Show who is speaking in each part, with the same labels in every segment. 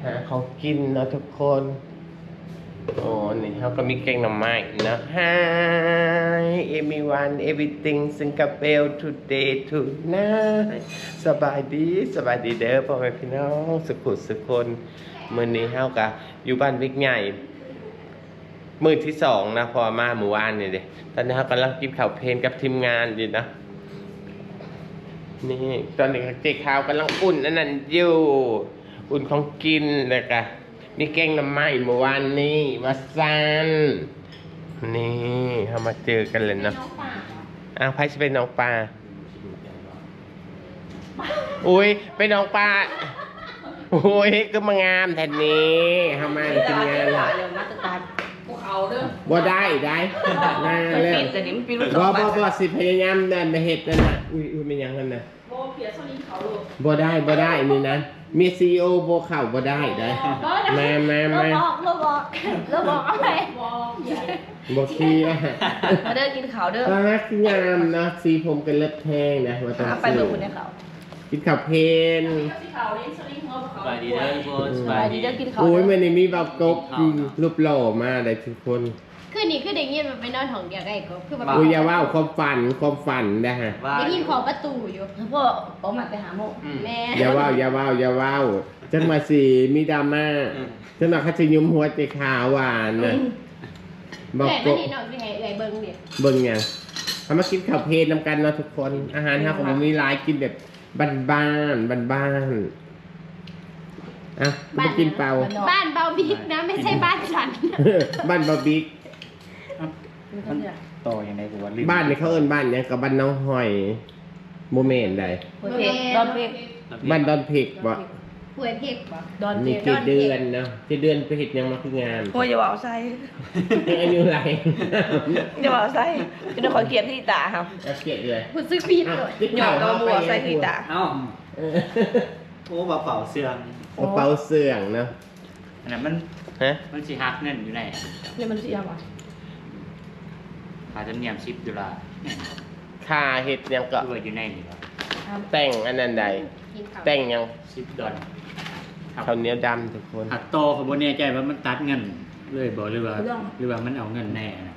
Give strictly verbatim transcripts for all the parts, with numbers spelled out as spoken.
Speaker 1: หาของกินเนาะทุกคนโอ้นี่เขาก็มีแกงหน่อไม้นะ Hi everyone everything Singapore today tonight สบายดีสบายดีเด้อพ่อแม่พี่น้องสุขุสุคนมื้อนี้เฮาก็อยู่บ้านวิกใหญ่มื้อที่สองนะพอมาเมื่อวานนี่เด้ตอนนี้เฮากำลังกินข้าวเพลนกับทีมงานอยู่นะนี่ตอนนี้เจ๊ขาวกำลังอุ่นอันนั้นอยู่อุ่นของกินเลยกะมีแกงน้ำไม้เมื่อวานนี้มาซันนี่เขามาเจอกันเลยเนาะอ้าวไพ่จะเป็นน้องปลาอุ้ยเป็นน้องปลาโอ้ยก็มางามแทนนี้ทำมาทีมงานละบ่ได้ได้น่าเรื่องบ่บ่บ่สิพยายามนั่นมาเห็ดนั่นนะอุ้ยอุ้ยเป็นยังไงนะบ่เพียรสลิงเขาลูกบ่ได้บ่ได้นี่นะมีซีโอโบเข่าบ่ได้ได้มามามาเราบอกเราบอกอะไรบอกคีอ่ะ
Speaker 2: มาเดินกินข้าวเด้อ
Speaker 1: ตาคืองามนะสีผมกันเล็บแทงนะมาต้องไปเบิ่งคนในเขากินข้าวเพลน
Speaker 3: สบายดีเด้อทุกคนสบายดีเด้อกินข้าว
Speaker 1: โอ้ยมันนี่มีแบบกบรูปหล่อมาได้ทุกคน
Speaker 2: คือนี่คือเด็กยินมันไปนอนห้องเดียวกันก็คือแบบ
Speaker 1: โอ้ยอย่าว่าความฝันความฝันนะฮะ
Speaker 2: เด็กยินขอประตูอยู่พ่อออกมาไปหาโมแม่
Speaker 1: อย่าว่าอย่าว่าอย่าว่าจังมาสีมีดราม่าจังมาคัดยุมหัวใจขาวหวานนะ
Speaker 2: บอกก็นี่น้องสิให้เอ้ยเบิ่งดิ
Speaker 1: เบิ่งยังทำมากินข้าวเพลนนำกันเนาะทุกคนอาหารฮะของมีหลายกินแบบบ้านบ้านบ้านบ้านอ่ะมากินเปล่า
Speaker 2: บ้านเบาบิ๊กนะไม่ใช่บ้านฉัน
Speaker 1: บ้านเบาบิ๊ก
Speaker 3: ต่อยังไงกูว่า
Speaker 1: บ้านนี่เขาเอิ้นบ้านยังกับบ้านน้องหอยโมเมนต์ใด
Speaker 2: ดอนเพก
Speaker 1: บ้านดอนเพกบ่
Speaker 2: หวยเพกบ่
Speaker 1: ดอนเพกนี่เดือนเนาะที่เดือนไปเฮ็ดยังมาคืองาน
Speaker 2: โอ้ยอย่าว่าใส่
Speaker 1: อายุไร
Speaker 2: อย่าว่าใส่จะได้ขอเกียรติที่ตาครับ
Speaker 1: เกียรติเลย
Speaker 2: พูดซื้อผิดเลยหยอกกระบัวใส่ที่ตา
Speaker 3: เอ้าโอ้กระเป๋าเสื่อง
Speaker 1: กระเป๋าเสื่องเนาะ
Speaker 3: อันนั้นมันฮะมันสิฮักเงินอยู่ไหน
Speaker 2: เนี่ยมันสิฮักอ่ะ
Speaker 3: ค่าจำเนียมสิบดอลลาร์
Speaker 1: ค่าเฮ็ดยังก็
Speaker 3: อยู่ในนี่ครับ
Speaker 1: แต่งอันนั้นใดแต่งยัง
Speaker 3: สิบดอล
Speaker 1: ข้าวเหนียวดำทุกคน
Speaker 3: หักโตขบวนเนี่ยใจว่ามันตัดเงินเลยบอกหรือว่าหรือว่ามันเอาเงินแน่นะ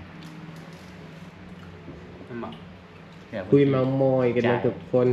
Speaker 1: คุยเมามอยกันนะทุกคน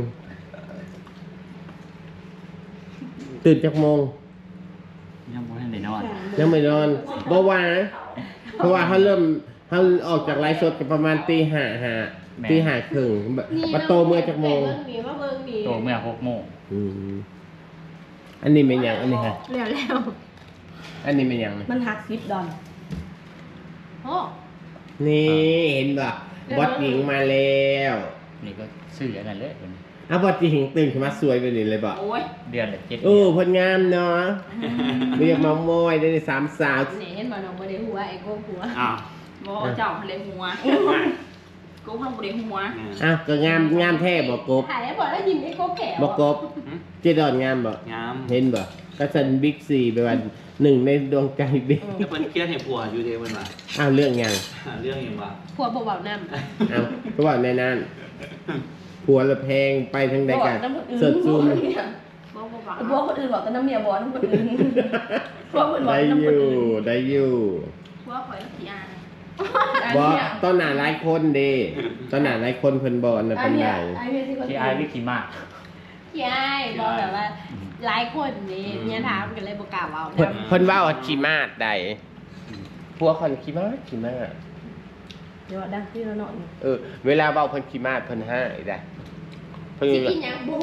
Speaker 1: ตื่นจากโมง
Speaker 3: ยังไม่ทันได้นอน
Speaker 1: ยังไม่นอนบ่ว่าเพราะว่าเขาเริ่มเขาออกจากไลฟ์สดกันประมาณตีห้าห้าตีห้าครึ่งมาโตเมื่อจากโมง
Speaker 3: โตเมื่อหกโมง
Speaker 1: อันนี้เป็นอย่างอันนี้ฮะ
Speaker 2: เร็วแล้ว
Speaker 1: อันนี้เป็นอย่าง
Speaker 2: มันหักสิบดอลโอ้
Speaker 1: นี่เห็นป่ะบอสหญิงมาแล้ว
Speaker 3: นี่ก็ซื้ออันนั้นเลย
Speaker 1: อ่ะบอสหญิงตื่นขึ้นมาสวยไปนี่เลยบอก
Speaker 3: เดือนละเจ็ด
Speaker 1: โอ้พลงามเนาะเรียกมามอยได้สามสาว
Speaker 2: นี่เห็นบ่น้องบ่ได้หัวไอ้โก้หัว
Speaker 3: อ้าว
Speaker 2: บ่เจ้าเลยหัวกูพังบ่ได้หัว
Speaker 1: อ้าวก็งามงามแท้บ่กบ
Speaker 2: ถ่ายแล้วบ่ได้ยินไอ้โก้แก่
Speaker 1: บ่กบเจดอนงามบ่
Speaker 3: งาม
Speaker 1: เห็นบ่ก็สันบิ๊กซีไปวันหนึ่งในดวงใจบิ๊ก
Speaker 3: ก็เป็นเครียดให้ผัวอยู่เดียวมันว่า
Speaker 1: อ้าวเรื่องยัง
Speaker 3: เรื่องยังว่า
Speaker 2: ผัวบ่เบาน้
Speaker 1: ำอ้าวก็ว่าในนั้นผัวละแพงไปทางใดกันเสิร์ชซูม
Speaker 2: บ่คนอื่นบอกแต่น้ำเมียบ่น้ำคนอื่นผัวคนบอก
Speaker 1: ได้อยู่ได้อยู่
Speaker 2: ผัวข่อยขี้อาย
Speaker 1: บ่ต้นหน้าหลายคนเด้ต้นหน้าหลายคนเพิ่นบ่น่ะเป็นได
Speaker 3: ขี้อายวิขี้มาก
Speaker 2: ขี้อายบ่แบบว่าหลายคนนี่เมียถามกันเลยบ่กล้าเว้า
Speaker 1: เพิ่นเว้าขี้มาดใดผัวคนขี้มาดขี้มาด
Speaker 2: เดี๋ยวดังที่เราเนาะ
Speaker 1: เออเวลาเว้าเพิ่นขี้มาดเพิ่นให้ได้
Speaker 2: เพิ่นสิกินหยังบ่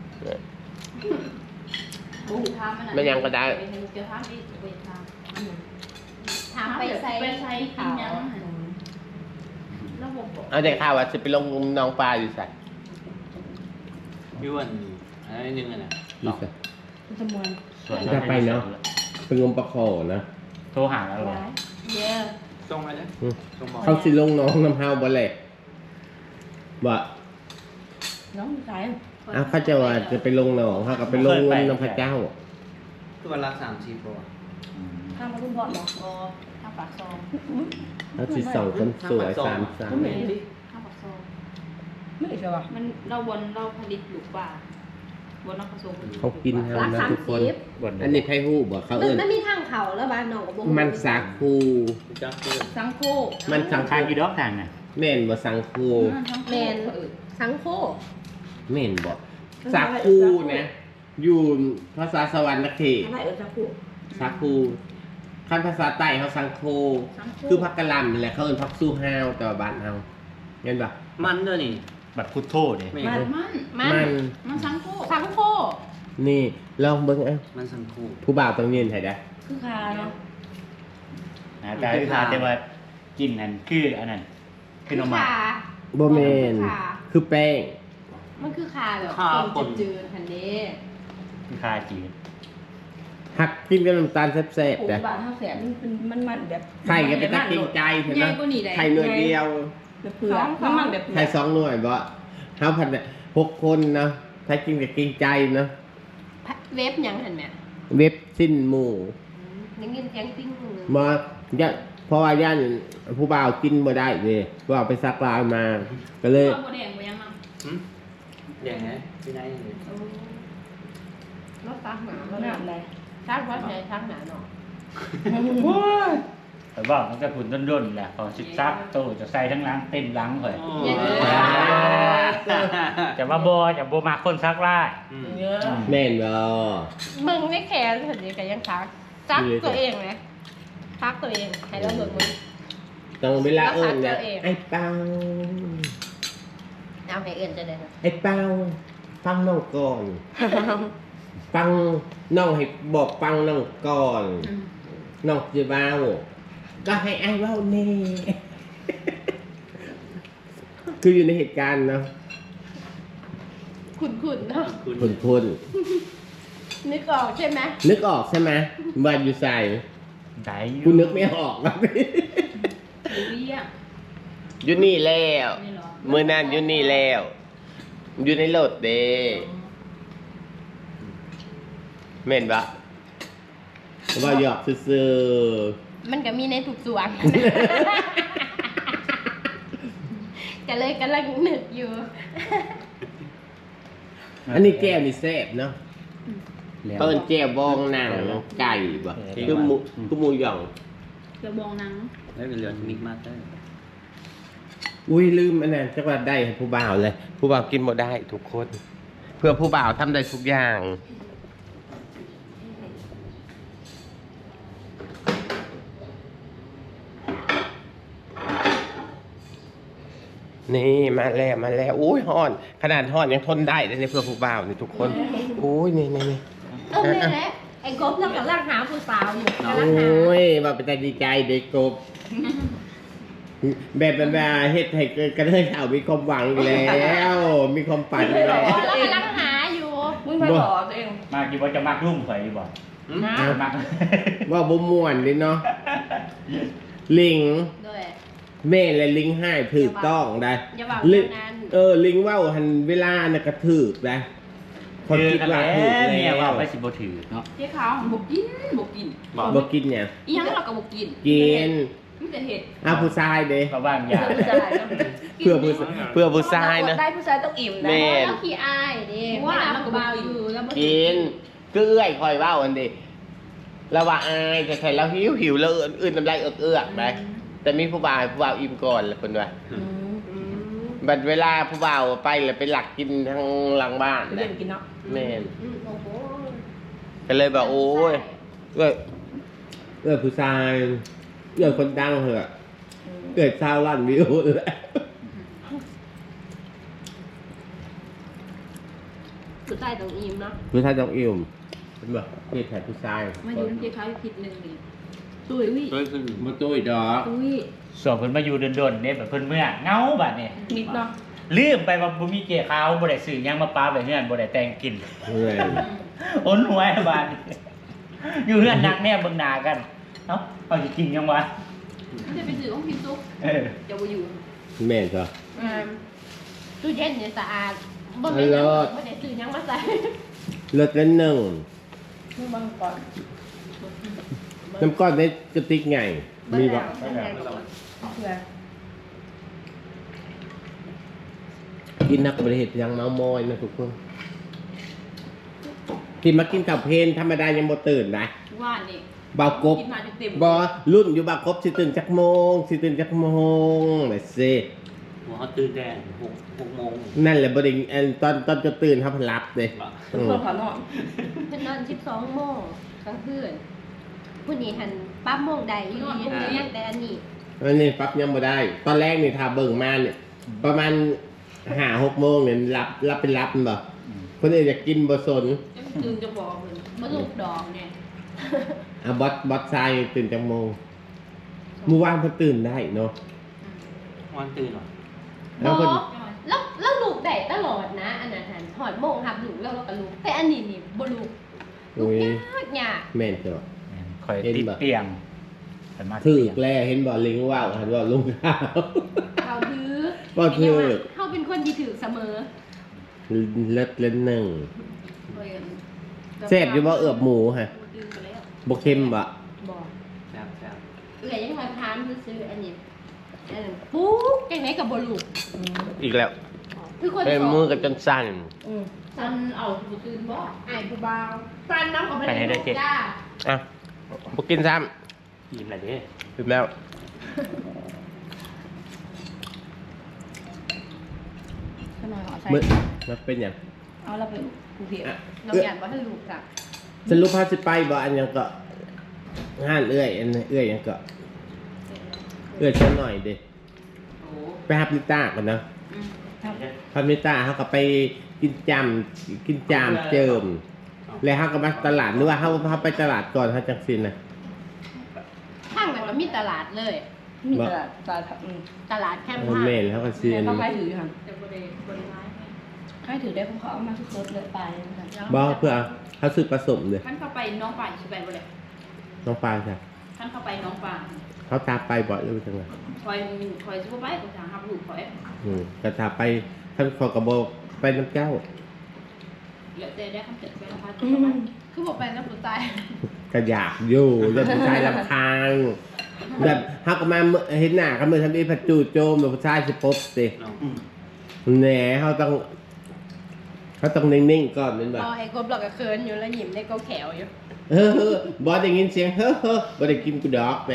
Speaker 2: บ่ถามมันน่ะ
Speaker 1: มันยังก็ได้
Speaker 2: เดี๋ยวถามอีกไปถามถามไปใส่ไปใส่กินหยังแล้วบ่บอก
Speaker 1: เอาแต่ข่าวว่าสิไปลงน้องปลาอยู่ไส
Speaker 3: พี่วันอันนี้นึงอ่ะนะ
Speaker 1: อยู่ไส
Speaker 2: จะมวน
Speaker 1: จะไปเนาะไปงมปลาคอนะ
Speaker 3: โทรหาแล้วเหรอ
Speaker 2: เย้
Speaker 3: ส่งมาเลย
Speaker 1: เขาสิลงน้องน้ำเฮาบ่แหละบ่
Speaker 2: น้องใส่
Speaker 1: อ้าวเขาจะว่าจะไปลงหนองเขาก็ไปลงเงินน้ำพระเจ้า
Speaker 3: คือวันละสามสี่ตัว
Speaker 2: ข้ามมาคุณพ่อหรออ๋อข้ามปากซอง
Speaker 1: แล้วสิสองคนสวยสามสาม
Speaker 2: ข้ามปากซองไม่ใช่ป่ะมันเราบนเราผลิตลูกปลาบนนักผสม
Speaker 1: เขากิน
Speaker 4: รัก
Speaker 1: นะ
Speaker 4: สาม
Speaker 1: ทุกคน
Speaker 4: สิบ
Speaker 3: บ่น
Speaker 1: อันนี้ไผ่หูบอกเขา
Speaker 4: มัน
Speaker 1: เอิ้น
Speaker 4: มันมีทางเขาแล้วบ้านน้องกับวง
Speaker 1: มันสักคู
Speaker 3: จักคือ
Speaker 2: สังโค
Speaker 1: มันสัง
Speaker 3: ทาง
Speaker 1: คู
Speaker 3: กี่ดอกทางน่ะ
Speaker 1: แม่นบ่สังคู
Speaker 4: แมนสังโค
Speaker 1: แม่นบ่สักคูนะอยู่ภาษาสวรรค์เขต
Speaker 4: อะไรเออสักคู่
Speaker 1: สักคูคันภาษาใต้เขาสังโคคือพักกะหล่ำนั่นแหละเขาเอิ้นพักสู้ห้าวแต่ว่าบ้านเฮาเห็นบ่
Speaker 5: มันด้วยนี่
Speaker 3: บัดพุทโธเด้
Speaker 5: ไม่
Speaker 2: มันมัน
Speaker 1: มัน
Speaker 2: มันสังโค
Speaker 4: สังโค
Speaker 1: นี่ลองเบิ่งเอ้า
Speaker 5: มันสังคู่
Speaker 1: ผู้บ่าวต้องยืนให้ได้
Speaker 2: คือคาเนาะ
Speaker 3: หน้าตาคือทาแต่ว่ากินนั่นคืออันนั้นคือหน่อไม้
Speaker 1: บ่แม่นคือแป้ง
Speaker 4: มันคือคาแบบ
Speaker 5: ข้าวปน
Speaker 4: จืดๆทันเด้
Speaker 3: คือคาจีน
Speaker 1: หักกินกับน้ำตาลแซ่บ
Speaker 4: โอ้
Speaker 1: ๆแต่
Speaker 4: บาทเท่าแสนมันเป็นมันมันแบบ
Speaker 1: ไข่ก็เป็นตะกินใจเห็น
Speaker 2: ให
Speaker 1: ไหม
Speaker 2: ญ่กว่านี้ได้
Speaker 1: ไข่หน่วยเดียว
Speaker 4: แบบเผือกมันมันแบบ
Speaker 1: ไข่สองหน่วยบ่เฮาพันเนี่ยหกคนเนาะถ้ากินกับกินใจเนาะ
Speaker 4: เว็บยังเห็นไหม
Speaker 1: เว็บสิ้นหมู่
Speaker 4: ยังยินเสียงติ้งหู
Speaker 1: มาย่าเพราะว่าย่านผู้บ่าวกินบ่ได้เว้ยผู้บ่าวไปซักลายมา ก็เลย
Speaker 2: ตัวแดงไปยังเนาะ
Speaker 5: หึอย่างไงพี่นายยังไง
Speaker 4: รถซักหนาแล้วแบบไหนซักวัดไหนซักหนาเนาะ
Speaker 3: แต่ว่ามันก็ผุนด้นๆแหละพอสิบซักโตจะใส่ทั้งหล้างเต็มหล้างเลย
Speaker 5: อ๋อ
Speaker 3: จะว่าบ่จะบ่มาคนซักลาย
Speaker 5: อืม
Speaker 1: แม่นบ่
Speaker 4: มึงไม่แคร์เห็นดีกันยังซักซักตัวเองไหมซักตัวเองให้เราเบิกมึง
Speaker 1: ต้องเวลาเอิ้นเนี่ย
Speaker 4: รักษาตัวเอง
Speaker 1: ไอ้เป้า
Speaker 4: เอาให้เอื่นจะได้
Speaker 1: ไอ้เป้าฟังน้องก่อนฟังน้องให้บอกฟังน้องก่อน น้องจะเว้าก็ให้ไอ้เว้าแน่ คืออยู่ในเหตุการณ์เนาะ
Speaker 4: ขุนขุนๆเนาะ
Speaker 1: คนคน
Speaker 4: นึกออกใช่ไหม
Speaker 1: นึกออกใช่ไหมบ้านอยู่ใส่
Speaker 3: ได้อยู่
Speaker 1: กูนึกไม่ออกนะ
Speaker 2: หรือเรียก
Speaker 1: อยู่นี่แล้ว
Speaker 2: นี่เหรอ
Speaker 1: มือนั่นอยู่นี่แล้ว อยู่ในรถเด้เม่นปะว่าหยอกซื่อ
Speaker 4: มันก็มีในทุกส่วน ก็เลยกำลังนึกอยู่
Speaker 1: ๆอันนี้แก้วนี่แซ่บเนาะ
Speaker 3: แล้ว
Speaker 1: เปิ้นแก้วบองหนังไก่บ่คือหมูคือหมูหย่อง
Speaker 2: กระบองหนัง
Speaker 5: แล้วก็เหลือมิกมาสเตอร์
Speaker 1: อุ้ยลืมอันนั้นจักว่าได้ให้ผู้บ่าวเลย ผู้บ่าวกินบ่ได้ทุกคน เพื่อผู้บ่าวทำได้ทุกอย่าง นี่มาแล้วมาแล้วอุ้ยห่อน ขนาดห่อนยังทนได้เลยเนี่ยเพื่อผู้บ่าวนี่ทุกคนอุ้ยนี่นี่นี่
Speaker 4: เออนี่แหละไอ้กบเรากำลังหาผู้สาวอยู่กำลังหา
Speaker 1: โอ้ยว่าเป็นใจดีใจเด็กกบแบบแบบว่าเฮ็ดให้กระเทยข่าวมีความหวังอีกแล้ว มีความฝันอีกแล้ว
Speaker 4: เรากำลังหาอยู่
Speaker 2: มึงไปหล่อตัวเอง
Speaker 3: มากอยู่บ่จะมักลุ่มข่อยอยู่บ่
Speaker 4: นะ
Speaker 3: มัก
Speaker 1: ว่าบ่ม่วนดิเนาะลิง
Speaker 4: ด้วย
Speaker 1: แม่และลิงให้ถูกต้องได้
Speaker 4: อย่าบอก
Speaker 1: ลิง
Speaker 4: นาน
Speaker 1: เออลิงเว่าหันเวลาน่ะกระถูกได้คน
Speaker 3: คือ
Speaker 1: คิด
Speaker 3: กัน
Speaker 1: ว่า
Speaker 3: แล้ว
Speaker 1: ถูก
Speaker 3: เนี่ย
Speaker 1: แล้
Speaker 3: ว่าว ไปสิบ่ถือเนาะ
Speaker 2: เจ๊ขาวบกกินบกกิน
Speaker 1: บ่กินเนี่ย
Speaker 2: อีหยังเราก็บกกิน
Speaker 1: กิน
Speaker 2: มันจะเห็ด
Speaker 1: อ้าวผู้ชายเด้
Speaker 3: ก็ว่างยา
Speaker 1: เพื่อผู้เพื่อผู้ชายนะ
Speaker 4: ได้ผู้ชายต้องอิ่มนะ
Speaker 1: แม่น
Speaker 4: แล้วขี้อายดิ
Speaker 2: ว่า
Speaker 4: ไม่
Speaker 2: มัน
Speaker 4: รั
Speaker 2: ก็
Speaker 4: บบ
Speaker 2: า
Speaker 4: เบา
Speaker 2: อ
Speaker 4: อยู่
Speaker 2: ยู่แล้วบ่
Speaker 1: กินคือเอื้อยคอยเว่าอันเดิแล้วว่าอายแต่ใครแล้วหิวหิวแล้วอื่นน้ำลายเอือกเอือกๆไปแต่มีผู้บ่าวผู้บ่าวอิ่มก่อนแล้วคนว่า
Speaker 4: อืม
Speaker 1: บัดเวลาผู้บ่าวไปแล้วไปหลักกินทางหลังบ้าน
Speaker 4: เล่
Speaker 1: นะ
Speaker 4: นกินเนาะ
Speaker 1: แม่น
Speaker 4: อืมโอ้โห
Speaker 1: ก็เลยแบบโอ้ยเอ้ยเอ้ยผู้ชายเอ้ยคนดังเหอะเกิดชาวล้านวิวเลย
Speaker 4: ผู้ชายต้องอิ่มเนาะ
Speaker 1: ผู้ชายต้องอิ่มเป็นแบบเกิดแทนผู้ชาย
Speaker 2: มาอยู่น้ำเจ๊ขาวอยู่ผิดหนึ่งนี่ตุ้ยอุ้ย
Speaker 5: ช่วยขึ้น
Speaker 1: มาตุ้ยดอก
Speaker 2: ตุ้ย
Speaker 3: ส่วนเพิ่นมาอยู่ดนๆเนี่ยแบบเพิ่นเมื่อเหงาบัดเนี่ย
Speaker 4: นิดเนาะ
Speaker 3: ลืมไปว่าบ่มีเจ้ขาวบ่ได้ซื้อหยังมาปาไว้เฮือนบ่ได้แต่งกิน
Speaker 1: เฮ้ย
Speaker 3: อ้นหวยบาดอยู่เฮือนนักแน่เบิ่งหน้ากันเอ้าเอาสิกินยังวะ
Speaker 2: มันจะไปซื้อของพิมซุก
Speaker 3: เออ
Speaker 2: จะไปอยู่
Speaker 1: แม่นจ้ะ
Speaker 4: อืมตู้เย็นเนี่ยสะอาดบ่
Speaker 1: อ
Speaker 4: ได้
Speaker 1: ร่อย
Speaker 4: บ่ได้ซื้อหยังมาใส่
Speaker 1: รสละหนึ่ง
Speaker 4: มือบังก่อน
Speaker 1: น้ำก้อนในกระติกไงมีบ่
Speaker 4: เบิ่งแล้วเผื่อ
Speaker 1: กินนักบริเหตุยังเมามอยนะทุกคนกินมากินข้าวเพลนธรรมดายังบ่ตื่นนะ
Speaker 2: ว่านี่
Speaker 1: เบากบ
Speaker 2: กินมาเต็ม
Speaker 1: บอรุ่นอยู่เบากบสิตื่นจักโมงสิตื่นจักโมงแบบสิ
Speaker 5: หัวเขาตื่นแดงหกหกโมง
Speaker 1: นั่นแหละบ่ได้อันตอนตอนจะตื่นเขาเพิ่นรับเด้อืม
Speaker 2: คนขอนอน
Speaker 4: เพิ่นนอนสิบสองโมงกลางคืนผู้นี้หันปั๊บโมงใดอยู่ดีแต่อันนี้
Speaker 1: อันนี้ปั๊บยังบ่ได้ ตอนแรกนี่ถ้าเบิ่งมาเนี่ยประมาณห้าหกโมงเนี่ยรับรับเป็นรับมันบ่คนอื่นอยากกินบ่สน
Speaker 2: ตื่นจะบอกเลยมาลูกดอกเนี่ย
Speaker 1: อ่ะบอสบอสชายตื่นจักโมงเมื่อวานเพิ่นตื่นได้เนาะ
Speaker 5: วันตื่นเหรอ
Speaker 1: แล้วเพิ่น
Speaker 4: แล้วแล้วลูกได้ตลอดนะ อันนั้นหันหอดโมงหับลูกแล้วเราก็ลูกแต่อันนี้นี่บ่ลูกลู
Speaker 1: โอ้
Speaker 4: ก
Speaker 1: ย
Speaker 4: ยากยาก
Speaker 1: แม่นจ้ะ
Speaker 3: คอย
Speaker 1: เห็น
Speaker 3: ติด
Speaker 1: บ่
Speaker 3: เตียงไปมา
Speaker 1: ถื
Speaker 3: เตี
Speaker 1: อย
Speaker 3: ง
Speaker 1: แลเห็นบ่ลิงว่าวหันว่าลุงข้าว
Speaker 4: เขาถือ
Speaker 1: บ่ถือ
Speaker 4: เขาเป็นคนที่ถือเสมอ
Speaker 1: เลิศเล่นหนึ่ง
Speaker 2: เฮ้ย
Speaker 1: แซ่บอยู่บ่เอือบหมูฮะ
Speaker 2: ตื่นไปแล้ว
Speaker 1: บ่เค็มบ่
Speaker 4: บอก
Speaker 5: แซ่บแซ่บ
Speaker 4: เอื่อยยังมาทานซื้ออันนี้อันนั้นปุ๊กจังไหนกับบ่ลูก
Speaker 1: อีกแล้ว
Speaker 4: คือคน
Speaker 1: เป็น
Speaker 4: สอง
Speaker 1: มือกับจนสั่น
Speaker 4: อืม
Speaker 2: ฉันเอาผู้ตื่นบ่
Speaker 4: ไอ้ผู้บ่าวฟันน้ำออกไปเลยลูกจ้า
Speaker 1: อ่ะบ่กินซ้
Speaker 5: อิ่มเลยดิ
Speaker 1: ำอิ่มแล้ว
Speaker 2: ขนอยหอใส่
Speaker 1: มื้อมันเป็นหยัง
Speaker 2: เอาเราไปผู้เพียร
Speaker 1: อ่ะ
Speaker 4: น้องหยาดว่าให้ลูกจ้ะ
Speaker 1: สรุปพาสิไปบ่อันหยังก็ห้านเอื้อยอันเอื้อยหยังก็เอื้อยชันหน่อยเด้
Speaker 2: โอ้
Speaker 1: ไปหาพิต้าก่อนนะ
Speaker 2: อืม
Speaker 1: พาพิต้าเขาก็ไปกินจามกินจามเจิม แล้วเขาก็มาตลาดหรือว่าเขาเขาไปตลาดก่อนเขาจังซินนะ
Speaker 4: ข้างนั้นก็มีตลาดเลย
Speaker 2: มีตลาดตลาดอืม
Speaker 4: ตลาดแคมป์
Speaker 1: โอ้แม่นแล้วก็ซิน
Speaker 2: เขาใครถือค่ะแต่บริบริร้ายใครถือได้ผมเขาเอามาทุกรถเลยไป
Speaker 1: บ่เพื่อเขาซื้อผสมเลย
Speaker 2: ท่านเข้าไปน้องป่าชิไปบ่เลย
Speaker 1: น้องปลาค่ะ
Speaker 2: ท่านเข้าไปน้องป่า
Speaker 1: เขาตามไปบ่อยเลยจังเลย
Speaker 2: คอยคอยชิบไปกูจะหับลูกคอย
Speaker 1: อืมกระถาไปท่านขอกระโบไปน้ำเจ้า
Speaker 2: เหลือแต่ได้คำเสร็จไปแล้วพัด
Speaker 4: คือบอกไปแล้วผู้ตาย
Speaker 1: กระอยากอยู่จะผู้ชายลำคาญแบบฮักมาเห็นหน้าเขาเมื่อทำอีผัดจูโจมแบบผู้ชายสิปบสิ
Speaker 5: เนาะ
Speaker 1: แหน่เขาต้องเขาต้องนิ่งๆก่อนเป็นแบบ
Speaker 4: พอไอ้กบหลอกก็เคินอยู่แล้วหยิมได้ก็แขวอยู่
Speaker 1: เฮ้อบอสได้ยินเสียงเฮ้อเฮ้อบอสได้กินกูดอกไป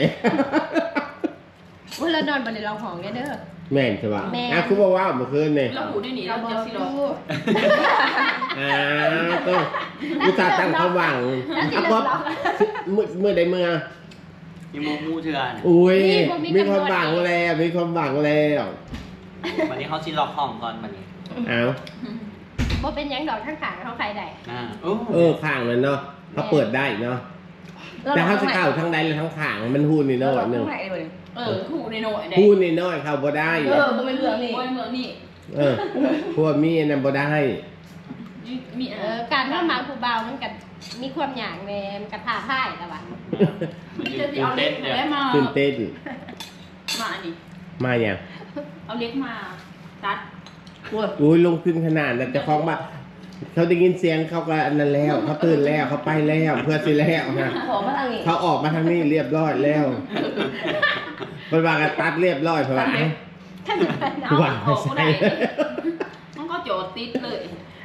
Speaker 4: ว่าเรานอนบนในรองห้องได้เด้อ
Speaker 1: แม่นใช่ป่ะ
Speaker 4: แม่น
Speaker 1: อ่ะคุณบอกว่าเมื่อคืนเนี่ย
Speaker 2: เราหูได้หนี
Speaker 4: เรา
Speaker 2: เรา
Speaker 4: บอ
Speaker 2: จะ
Speaker 4: ก
Speaker 2: สิ
Speaker 4: ดู
Speaker 2: รอ
Speaker 1: อ่าก็กูตาห์ตั้งความหวัง
Speaker 4: แล้วสิ
Speaker 1: อ่ะ
Speaker 4: เลิ
Speaker 1: บ๊อก บ
Speaker 4: ล็อก
Speaker 1: เมื่อเมื่อใดเมื่อ
Speaker 5: มีมูมูเถื่อน
Speaker 1: อุ้ย
Speaker 4: นี่บ่มี
Speaker 1: มี
Speaker 4: กำหนด
Speaker 1: ความหวังแล้วมีความหวังแล้ว
Speaker 5: วันนี้เขาชิล็อกห้องก่อนวันนี้
Speaker 1: เอา
Speaker 4: บ่เป็นหยังดอกข้างขางเขาใครได้
Speaker 5: อ่าโอ้
Speaker 1: เออข้างมันเนาะเขาเปิดได้เนาะแต่เขาจะเข้าทั้งใดและทั้งข้างมันหูนี่เนาะหนึ่ง
Speaker 2: เออหูในโน่ได้
Speaker 1: หูนี่น้อยเข้าบ่ได้
Speaker 2: เออบ่เป็นเมืองนี่บ่เป็นเมืองนี่
Speaker 1: เออพวกมีอันนั้นบ่ได้
Speaker 2: มี
Speaker 4: เอ
Speaker 2: เอ
Speaker 4: อ
Speaker 2: อ
Speaker 4: การเข้ามาผู้เบามันกันมีความหยางแม่มันกันท่าพ่ายแต่ว่า
Speaker 2: มีจะเอาเล็กแล้วมา
Speaker 1: ตื่นเต้น
Speaker 2: มาอันนี้
Speaker 1: มาอย่าง
Speaker 2: เอาเล็กมาตัด
Speaker 1: อุ้ยลงขึ้นขนาดนั้นจะคล้องมาเขาได้ยินเสียงเขาก็อันนั้นแล้วเขาตื่นแล้วเขาไปแล้วเพื่อสิแล้วฮะ
Speaker 2: ขอมาทางนี้
Speaker 1: เขาออกมาทางนี้เรียบร้อยแล้วเป็นว่ากันตัดเรียบร้อยเพราะว่าเอ้า
Speaker 4: ถ้าจะเป็นเอา
Speaker 1: ว่า
Speaker 2: ออกบ่ได้มันก็โจดติดเลย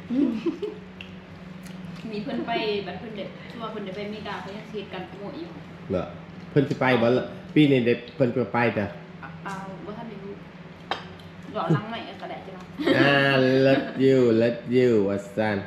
Speaker 2: มีเพื่อนไปแบบเพื่อนเด็กชัวเพื่อนเด็กไปอเมริกาเขายังเสียกันขโมยอยู่
Speaker 1: เหรอเพิ่นสิไปบ่ล่ะปีนี้เด็กเพิ่นจะไปแต่
Speaker 2: เอาว่าท่านไม่รู้หล่อลังใหม่กระแดดใช่ไหม
Speaker 1: อ่า let you let you ว่าซั่น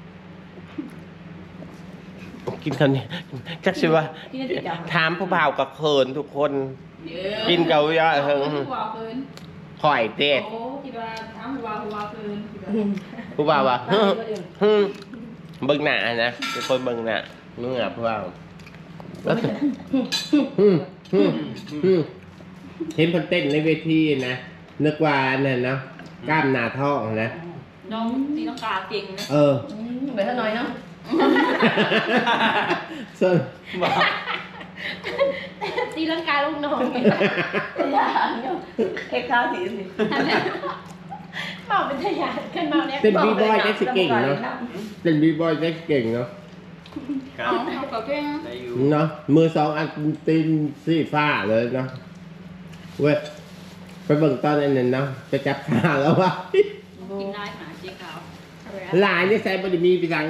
Speaker 1: กินคำนี้จักสิว่า
Speaker 2: ที่นี่ติดจัง
Speaker 1: ถามผู้บ่าวกับเขินทุกคน
Speaker 2: เยอะ
Speaker 1: กินเกาย่าเฮิง
Speaker 2: หัวเกิน
Speaker 1: ข่อยเต้
Speaker 2: โอ้คิดว่าถามหัวหัวเกิน
Speaker 1: ผู้บ่าวว่าฮึฮึเบิ่งหน้านะเป็นคนเบิ่งหน้าเมื่อผู้บ่าวแล้วก็ฮึฮึฮึเห็นเพิ่นเต้นในเวทีนะนึกว่านั่นเนาะกล้ามหน้าท้องนะ
Speaker 2: น้องตีลังกาเก่งนะ
Speaker 1: เออ
Speaker 2: ไปท่าน้อยเนาะ
Speaker 1: ส่วน
Speaker 5: บอก
Speaker 4: ตีลังกาลูกน้อง
Speaker 2: เอ็กซ์ข้าวสีสิ
Speaker 4: เมาเป็นทยานขึ้นมาเนี่ย
Speaker 1: เต้นบีบอยได้สิเก่งเนาะเต้นบีบอยได้เก่งเนาะ
Speaker 5: ครับ
Speaker 2: เอากับเก่ง
Speaker 5: ได้อยู่
Speaker 1: เนาะมือสองอันตีนสีฟ้าเลยเนาะเว้ยไปเบิ่งตอนนั้นเนาะไปจับขาแล้ววะ
Speaker 2: กินได้หาเจ๊ขาว
Speaker 1: หลายนี่ใส่บไดิมีไปทางเนี่ย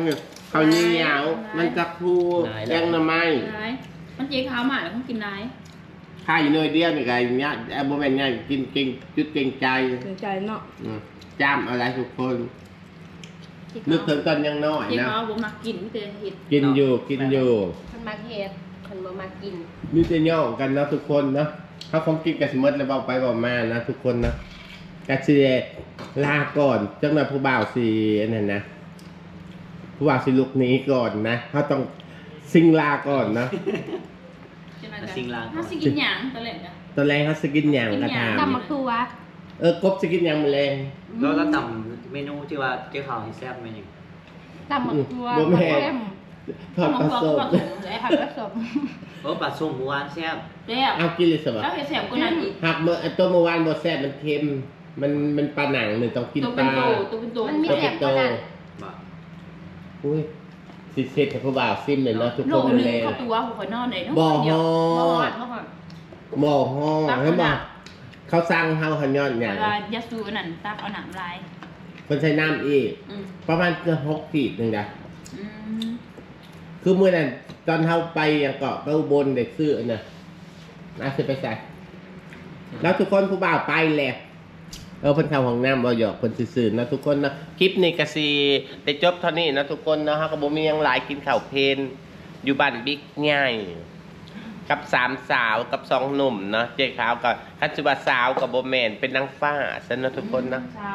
Speaker 1: ข้าวเหนียวมันจะพูแดงหน่อไม้
Speaker 2: ไรมันเจ๊ขาวหมาแล้วต้องกินไร
Speaker 1: ข้าวอยู่เนยเดียวนี่ไงเนี่ยแอบโมเมนต์เนี่ยกินเก่งจุดเก่งใจ
Speaker 4: สนใจเนาะ
Speaker 1: อืมจ้ำอะไรทุกคน นึกถึงตอนยังน้อย
Speaker 2: เจ๊
Speaker 1: นะ
Speaker 2: ขาวบ่มักกินไม่เคยเห็ด
Speaker 1: กินอยู่กินอยู่
Speaker 4: คนมาเฮ็ดคนบ่มากิน
Speaker 1: มีแต่ย่องกันนะทุกคนนะเขาคงกินกันสมมติแล้วเบาไปเบามานะทุกคนนะกระเชียลาก่อนจังหวะผู้บ่าวสีนั่นนะผู้บ่าวสีลุกหนี้ก่อนนะเขาต้องซิงลาก่อนนะ
Speaker 2: จะนั่นกันถ้าสิกินหยังตะเล่นกัน
Speaker 1: ตอนแรกเขาสกินอย่างกระถาม
Speaker 4: ตำมักทัว
Speaker 1: เออกบสกินอย่างแมลง
Speaker 5: แล้วเราทำเมนูที่ว่าเจ๊ขาวให้แซ่บเมนู
Speaker 4: ตำมักทัว
Speaker 1: บ่แม่นทอด
Speaker 2: ข
Speaker 1: ป
Speaker 2: อ
Speaker 1: ลาง
Speaker 2: ก
Speaker 1: ส้
Speaker 2: อง
Speaker 1: ม
Speaker 2: ผสมเลย
Speaker 4: ผัดผสม
Speaker 5: โอ้ปลาส้มหมูหวานแซ่บ
Speaker 2: แล้ว
Speaker 1: เอากินเลยสิบะ
Speaker 2: แล้วเห็ดแสบก็นั่นอีก
Speaker 1: หักเมื่อไอ้ตัวเมื่อวานบดแซ่บมันเค็มมันมันปลาหนังหนึ่งต้องกิน
Speaker 2: ตัว
Speaker 1: ป
Speaker 2: เป็น
Speaker 1: ลา
Speaker 2: โตตัวเป็นโต
Speaker 4: มันมี
Speaker 1: ตัว
Speaker 4: แส
Speaker 1: เป็น
Speaker 4: บ
Speaker 1: โต
Speaker 4: ขนาด
Speaker 5: บ่
Speaker 1: อุ้ยสิเสร็จให้ผู้บ่าวซิมเลยเนาะทุก
Speaker 2: โล
Speaker 1: คน
Speaker 2: นึง
Speaker 1: เลย
Speaker 2: เข้าตัวหัวนอนเลยเนาะ
Speaker 1: บ่ฮอ
Speaker 2: บ่ฮอ
Speaker 1: ด
Speaker 2: ดบ่ฮอด
Speaker 1: หม้อห้องให้บอกเขาสั่งเฮาหันยอดอย่าง
Speaker 2: เวลายาสูบนั่นตักเอาหนังลาย
Speaker 1: คนใช้น้ำอีก
Speaker 2: อืม
Speaker 1: ประมาณเกือบหกขีดหนึ่งนะ
Speaker 2: อืม
Speaker 1: คือเมื่อนั้นตอนเฮาไปยังเกาะไปอุบลเด็กซื้ออันน่ะน่าจะไปใส่แล้วทุกคนผู้บ่าวไปแหละเออเพิ่นเข้าห้องน้ำบ่หยอกเพิ่นซื่อๆนะทุกคนนะคลิปนี้ก็สิได้จบเท่านี้นะทุกคนนะฮะก็บ่มีหยังหลายกินข้าวเพลนอยู่บ้านบิ๊กง่ายกับสามสาวกับสองหนุ่มเนาะเจ๊ขาวกับคันสุบาสาวกับโบแมนเป็นนางฟ้าซะนะทุกคนนะ
Speaker 2: เช้าน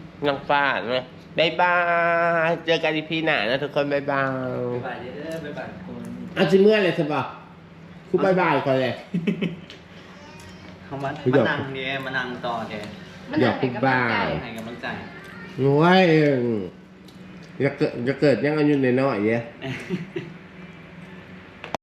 Speaker 1: างฟ้านะบ๊ายบายเจอกันอีพีหน้านะทุกคนบ๊ายบาย
Speaker 5: บ๊ายบายเด้อบ๊ายบายคน
Speaker 1: เอาสิเมื่อเลยสิบ่คุณบ๊ายบายก่อนเลย
Speaker 5: เขามา
Speaker 1: ไม่
Speaker 5: มา
Speaker 1: หยอก
Speaker 5: นั่งเนี่ยมานั่งต่อแก
Speaker 4: มันหนักให้กำลังใจ
Speaker 5: ให้กำลังใจ
Speaker 1: โอ้ยจะเกิดจะเกิดยังอายุน้อยๆเนี่ย